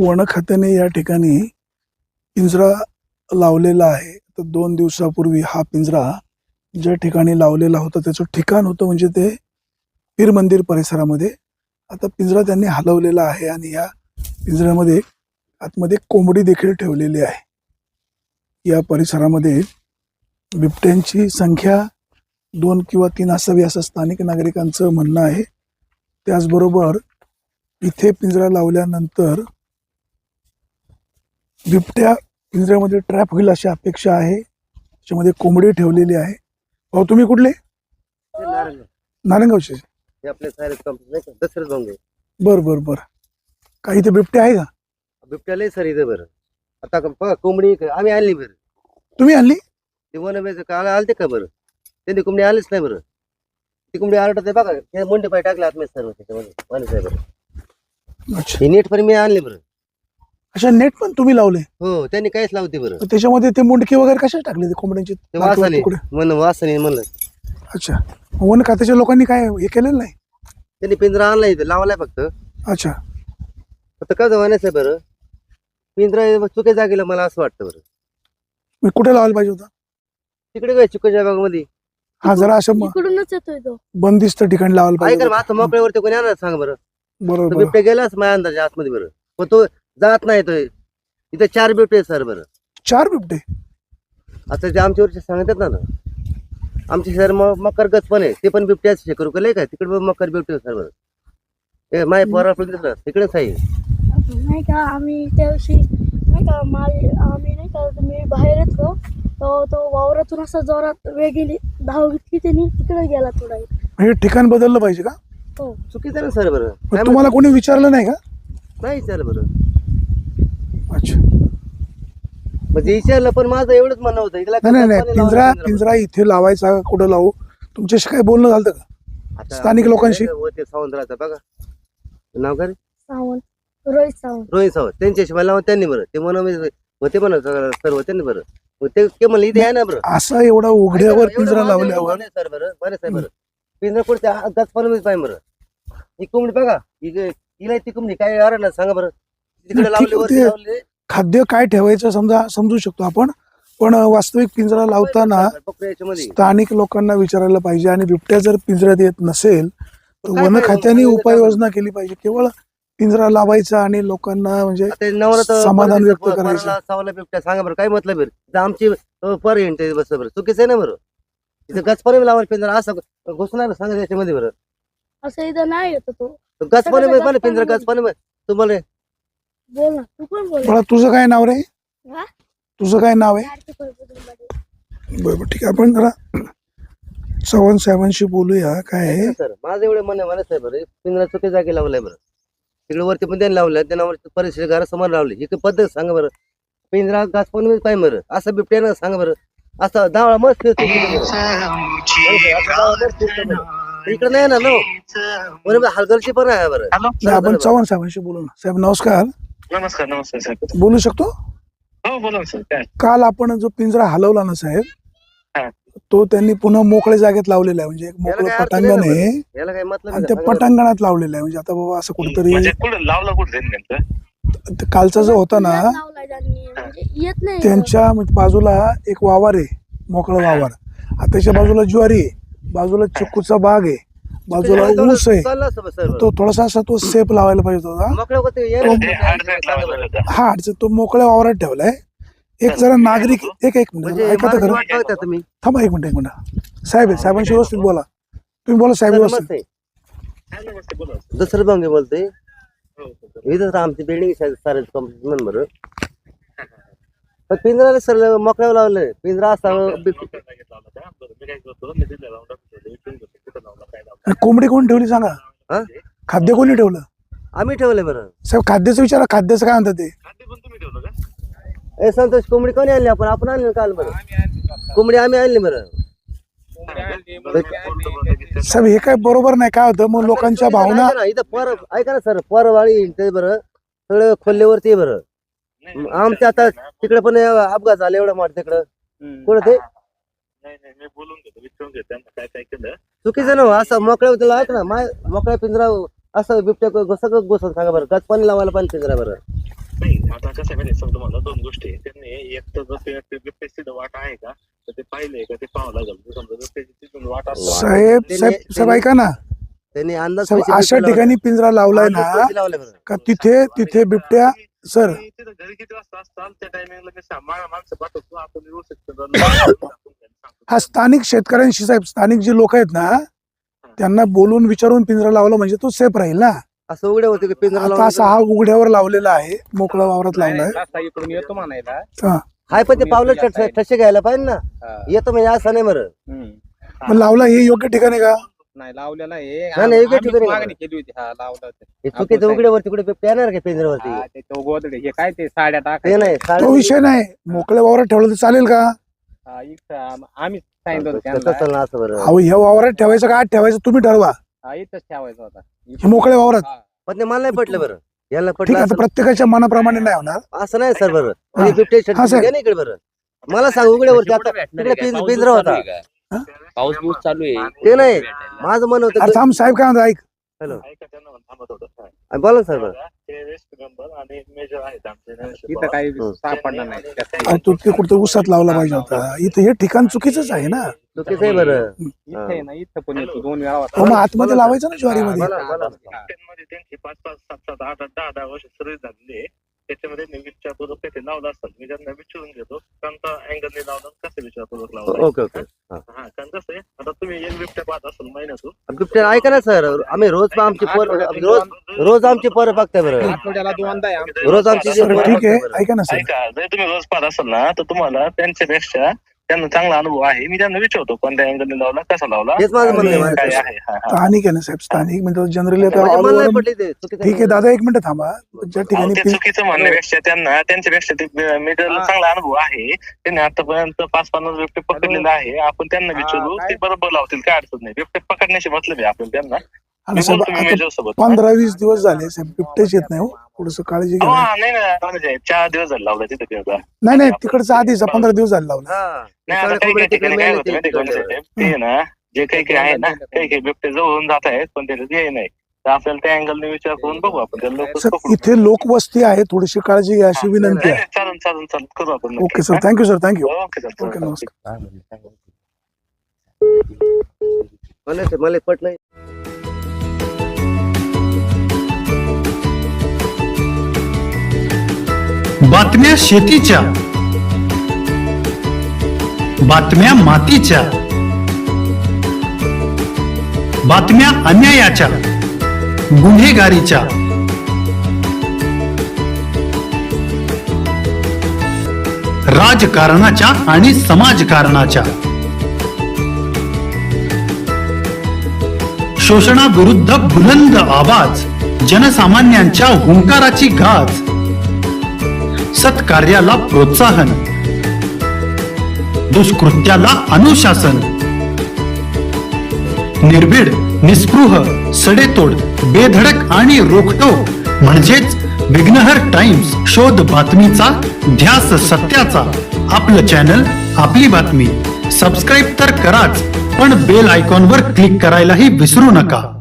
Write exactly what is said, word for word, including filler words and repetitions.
One खात्याने या ठिकाणी पिंजरा लावलेला आहे. तर दोन दिवसापूर्वी हा पिंजरा ज्या ठिकाणी लावलेला होता त्याचं ठिकाण होतं म्हणजे ते पीर मंदिर परिसरामध्ये. आता पिंजरा त्यांनी हलवलेला आहे आणि या पिंजऱ्यामध्ये आतमध्ये कोंबडी देखील ठेवलेली आहे. या परिसरामध्ये बिबट्यांची संख्या दोन किंवा तीन असावी असं स्थानिक नागरिकांचं म्हणणं आहे. त्याचबरोबर इथे पिंजरा लावल्यानंतर बिबट्या पिंजऱ्यामध्ये ट्रॅप होईल अशी अपेक्षा आहे. त्याच्यामध्ये कोंबडी ठेवलेली आहे. भाऊ तुम्ही कुठले? नारायणगावचे. बर बर बर काही इथे बिबट्या आहे का? बिबट्या लय सर इथं बरं. आता बघा कोंबडी आम्ही आणली बरं. तुम्ही आणली? ते वन काल आलते का बरं? त्यांनी कोंबडी आलीच नाही बरं. ती कोंबडी आरडत आहे बघा. ते मुंडे पाय टाकले आतमध्ये सर्व त्याच्यामध्ये वन साहेब बरं. अच्छा नेट पण मी आणले बरं. अच्छा नेट पण तुम्ही लावले? हो त्यांनी काहीच लावते बरं. त्याच्यामध्ये ते मुंडके वगैरे कशा टाकले ते कोंबड्यांचे? ते वासाने म्हण वासाने म्हणलं. अच्छा वन खात्याच्या लोकांनी काय हे केलेलं नाही? त्यांनी पिंजरा आणला इथं लावलाय फक्त. अच्छा आता काय जमान्याच आहे बरं. पिंजरा चुके जागेला मला असं वाटतं बरं. मी कुठे लावायला पाहिजे होता? तिकडे काय चुकीच्या भागामध्ये. हा जरा असं म- इकडूनच येतोय तो. बंदिस्त ठिकाणी लावायला ऐका पाहिजे ना आता होतं. मोकळ्यावरती कोणी आणणार सांग बरं. बरोबर तो बरोबर. बिबट्या गेलाच माझ्या अंदाजे आतमध्ये बरं. पण तो जात नाही तो. इथं चार बिबटे आहेत सर बरं. चार बिबटे? आता ते आमच्या वरचे सांगतात ना ना आमचे सर मकर गच पण आहे. ते पण बिबट्याच हे करू का काय तिकडे मकर बिबटे सर बरं. ए माय पोरा दिसलं तिकडेच आहे. नाही का आम्ही त्या दिवशी नाही का माल आम्ही नाही का मी बाहेर येतो तो तो वावरातून असा जोरात वेगळी धाव घेतली त्यांनी तिकडे गेला थोडा. हे ठिकाण बदललं पाहिजे का? हो चुकीचं आहे ना सर बरं. मग तुम्हाला कोणी विचारलं नाही का? नाही चाल बरं. अच्छा म्हणजे विचारलं पण माझं एवढंच म्हणणं होतं. इथला नाही नाही नाही कचरा पिंजरा लावला पिंजरा इथे लावायचा का कुठं लावू? तुमच्याशी काय बोलणं झालं का आता स्थानिक लोकांशी? होते सावंतराचं बघा नाव काय रे? सावंत रोहित सावंत. रोहित सावंत त्यांच्याशी मला लावून त्यांनी बरं. ते म्हणून होते म्हणा सर्व त्यांनी बरं. मग ते ते म्हणलं इथे आहे ना बरं. असा एवढा उघड्यावर पिंजरा लावल्यावर सर बरं बरं साहेब बरं. पिंजरा कुठे गच पण पाहिजे बरं. ही कोंबडी बघा हिला ती कोंबडी काय आरडला सांगा बरं. तिकडे ठीक लावले वरती आहे. लावले. खाद्य काय ठेवायचं समजा समजू शकतो आपण, पण वास्तविक पिंजरा लावताना बकऱ्या याच्यामध्ये स्थानिक लोकांना विचारायला पाहिजे. आणि बिबट्या जर पिंजऱ्यात येत नसेल तर काय वन काय खात्याने काय उपाययोजना केली पाहिजे. केवळ पिंजरा लावायचा आणि लोकांना म्हणजे आता नवरा समाधान व्यक्त करायचं. सावला बिबट्या सांगा बरं काय मतलब बरं. इथं आमची अं, पर येते बस बरं चुकीचं आहे ना बरं. इथं गचपणे लावायला पिंजरा असं घुसणार सांगा याच्यामध्ये बरं. असं इथं नाही येतो तो. गचपणे मला पिंजरा गचपणे तुम्हाला बोल ना तू पण बोल. मला तुझं काय नाव रे? हा? तुझं काय नाव आहे? आरती परबतमध्ये. बरोबर ठीक आहे. आपण जरा चव्हाण साहेबांशी बोलूया. काय आहे सर माझं एवढं म्हणणं मला साहेब बरं पिंजरा चुकी जागी लावलाय बरं. तिकडे वरती पण त्यांनी लावलं त्यांना परिसर घरासमोर लावली. ही पद्धत सांगा बरं. पिंजरा घास पण पाहिजे बरं. असं बिबट्यानं सांगा बरं. असं दावळा मस्त फिरतो इकडे नाही ना नो बरोबर हलगर्जी पण आहे बरं. नाही, आपण चव्हाण साहेबांशी बोलू ना. साहेब नमस्कार. नमस्कार नमस्कार साहेब. बोलू शकतो? हो बोला ना सर. काय काल आपण जो पिंजरा हलवला ना साहेब, हा. तो त्यांनी पुन्हा मोकळ्या जागेत लावलेला आहे. म्हणजे एक मोकळं याला काय अर्थ पटांगण नाही आहे याला काय मतलब आणि आहे त्या का? सांगा बरं. पटांगणात लावलेलं आहे. म्हणजे आता बाबा असं कुठेतरी म्हणजे कुठं लावला कुठं त्यांनी नेमकं? ते कालचा जो होता ना लावलाय त्यांनी. म्हणजे येत नाही. त्यांच्या बाजूला एक वावर आहे, मोकळं वावर. आता त्याच्या बाजूला ज्वारी आहे, बाजूला चिक्कूचा बाग आहे, बाजूला ऊस आहे. चाललं असतं बरं, सर तो थोडासा असा तो सेप लावायला पाहिजे होता. मोकळं होतं, ये ते ना. अडचणीत लावलं होतं. हा अडचण तो मोकळ्या वावरात ठेवलाय. एक जरा नागरिक एक एक मिनिट म्हणजे ऐका तर माणूस खरं. वाट बघता तुम्ही. थांबा एक मिनिट एक मिनिट. साहेब आहे, साहेबांशी व्यवस्थित बोला. तुम्ही बोला साहेब सर, व्यवस्थित. नमस्ते. हा, नमस्ते बोला. दुसरं भांगे बोलतोय. हो, हो, हो. इथं तर आमची बिल्डिंग सारे कंप्लीट बरं. पण पिंजरा सर मोकळ्यावर लावलंय. पिंजरा असा बि- घेतला होता. बरं, मी काय करतो मी तिथे लावून टाकतो. इथून घेतो. कुठं लावला काय लावला. आणि कोंबडी कोण ठेवली सांगा? हा? खाद्य कोणी ठेवलं? आम्ही ठेवलंय बरं. साहेब खाद्याचं विचारा. खाद्याचं काय म्हणतात ते? खाद्य पण तुम्ही ठेवलं का? ए संतोष कोंबडी कोणी आणली आपण आपण आणली काल बरं. कोंबडी आम्ही आणली बरं. साहेब हे काय बरोबर नाही. काय होतं मग लोकांच्या भावना. ऐका ना, इथं पर ऐका ना सर परवाळी ते बरं सगळं खोल्लेवरती बरं. नाही, नाही, आमच्या आता तिकडे पण अपघात झाले एवढं मोठं तिकडं हम्म. कुठं ते नाही नाही मी बोलून घेतो विचारून घेतो त्यांना काय काय केलं. चुकीचं ना असं मोकळ्या होतं ऐक ना माय मोकळ्या पिंजरा असं बिबट्या सगळं गोसत सांगा बरं. गच पाणी लावायला पाणी पिंजरा बरं. आता कसं माहिती सांगतो तुम्हाला दोन गोष्टी आहेत. त्यांनी एक तर जर ते बिबटेची वाट आहे का तर ते पाहिलंय का ते पाहावं लागेल. जर समजा जर त्याची तिथून वाट असेल साहेब साहेब साहेब ऐका ना त्यांनी अंदाज साहेब, पैसे अशा बिबटे ठिकाणी पिंजरा लावलाय लावले. ना अंदाज पैसे लावले बरं. का तिथे तिथे बिबट्या सर तुम्ही तिथं घरी किती वाजता असताल त्या टायमिंगला मी सा- मा- माणसं पाठवतो आपण व्यवस्थित हा स्थानिक शेतकऱ्यांशी साहेब स्थानिक जे लोक आहेत ना त्यांना बोलून विचारून पिंजरा लावला म्हणजे तो सेफ राहील ना. असं उघडे होते की पिंजरा आता असा हा उघड्यावर लावलेला आहे मोकळा वावरात लावलाय. इकडून येतो म्हणायला. हा हाय पण ते पावलं ठसे ठसे घ्यायला पाहिजे ना. येतो म्हणजे असं नाही बरं. मग लावला हे योग्य ठिकाणी का? नाही लावलेला आहे. नाही, नाही, योग्य आम्हीच ठिकाणी मागणी केली होती. हा लावलं होतं. हे चुकीचं उघड्यावरती कुठे बिबटे येणार का पिंजऱ्यावरती? हा, ते तो गोदडे हे काय ते साड्या ते टाकायच्या. नाही तो साडे- विषय नाही मोकळ्या वावरात ठेवलं तर चालेल का? हा, इथं आम- आम्हीच सांगितलं होतं तसं त्यांना. चाललं असं बरं. अहो ह्या वावरात ठेवायचं का आत ठेवायचं तुम्ही ठरवा. हा, इथंच ठेवायचा होता. हे मोकळ्या वावरात हा. पण ते मला नाही पटलं बरं. याला ठीक पटलं आहे. आता असं- प्रत्येकाच्या मनाप्रमाणे नाही होणार. असं नाही सर बरं. हा. आणि बिबटे हा, सर. नाही इकडे बरं. मला सांग उघड्यावरती आता तिकडे पिंज- पिंजरा होता. पाऊस बिऊस चालू आहे. ते नाही माझं मन अरे होतं. थांब साहेब काय म्हणतो ऐक हॅलो ऐका त्यांना म्हणून थांबत होतं. बोला ना सर बरं. ते वेस्ट मेंबर आणि मेजर आहेत आमचे इथं काही हं. सापडणार नाही. अहो, तो ते कुठं उसात लावला पाहिजे होता. इथं हे ठिकाण चुकीचंच आहे ना. चुकीचं आहे बरं. इथं आहे ना इथं पण येतो दोन वेळा होता. हो मग आतमध्ये लावायचं ना ज्वारीमध्ये. बोला, बोला. मध्ये त्यांची पाच पाच सात सात आठ आठ दहा दहा वर्ष सर्व्हिस झालेली आहे. त्याच्यामध्ये मी विचारपूर्वक ते लावलं असतात. मी त्यांना विचारून घेतो कोणता अँगलने लावलं कसं विचारपूर्वक लावलं. ओके ओके हा. हा कारण कसं आहे आता तुम्ही एक बिबट्या पाहत असाल महिन्यातून बिबट्या ऐका ना सर आम्ही रोज आमची पोर रोज रोज आमची पोरं बघताय बरं. आठवड्याला दोनदा आहे आमचं. रोज आमची जी बरं, पोरं ठीक बघताय आहे बरं. ऐका ना सर ऐका जर तुम्ही रोज पाहत असाल ना तर तुम्हाला त्यांच्यापेक्षा त्यांना चांगला अनुभव आहे. मी त्यांना विचारतो कोणत्या अँगलने लावला कसा लावला हेच माझं म्हणणं आहे. काय माझं. आहे. हा, हा. स्थानिक आहे ना साहेब स्थानिक म्हणजे जनरली आता म्हणजे all मला नाही over- पटली ते चुकीचं ठीक आहे दादा एक मिनिट थांबा. ज्या अहो, ठिकाणी ते पिं- चुकीचं म्हणण्यापेक्षा त्यांना त्यांच्यापेक्षा ते मीटरला चांगला अनुभव आहे. त्यांनी आतापर्यंत पाच पन्नास बिबटे पकडलेले आहे. आपण त्यांना विचारू काय? ते बरोबर लावतील काय अडचण नाही. बिबटे पकडण्याची मतलब आहे आपण त्यांना आणि मी साहेब बोलतो मी आता मेजर सोबत. पंधरा वीस दिवस झाले साहेब बिबटेच येत नाही हो थोडस काळजी हो, घ्या. हा, नाही ना म्हणजे चार दिवस झाले लावला तिथे त्याचा. नाही नाही तिकडचा आधीचा पंधरा दिवस झाले लावला. हा. नाही आता सगळे काही कोंबडे काही तिकडे ठिकाणी काय मेले होतं माहिती तिकडे. आहे का, ते ना जे काही काही आहे ना काही काही बिबटे जवळून जात आहेत पण त्याचं ध्येय नाही. तर आपल्याला त्या अँगलने विचार करून बघू आपण त्याला लवकर सर पकडू. इथे लोकवस्ती आहे थोडीशी काळजी घ्या अशी विनंती नाही, आहे. नाही, चालेल चालेल चालेल करू आपण नक्की. Okay sir thank you sir thank you okay sir okay नमस्कार. मला ते- मला पट नाही. बातम्या शेतीच्या, बातम्या मातीच्या, बातम्या अन्यायाच्या, गुन्हेगारीच्या, राजकारणाच्या आणि समाजकारणाच्या, शोषणाविरुद्ध बुलंद आवाज, जनसामान्यांच्या हुंकाराची गाज, सत्कार्याला प्रोत्साहन, दुष्कृत्याला अनुशासन, निर्भीड, निस्पृह, सडेतोड, बेधडक आणि रोखटोक म्हणजेच विघ्नहर टाइम्स. शोध बातमीचा, ध्यास सत्याचा. आपलं चॅनल, आपली बातमी. सबस्क्राईब तर कराच पण बेल आयकॉनवर क्लिक करायलाही विसरू नका.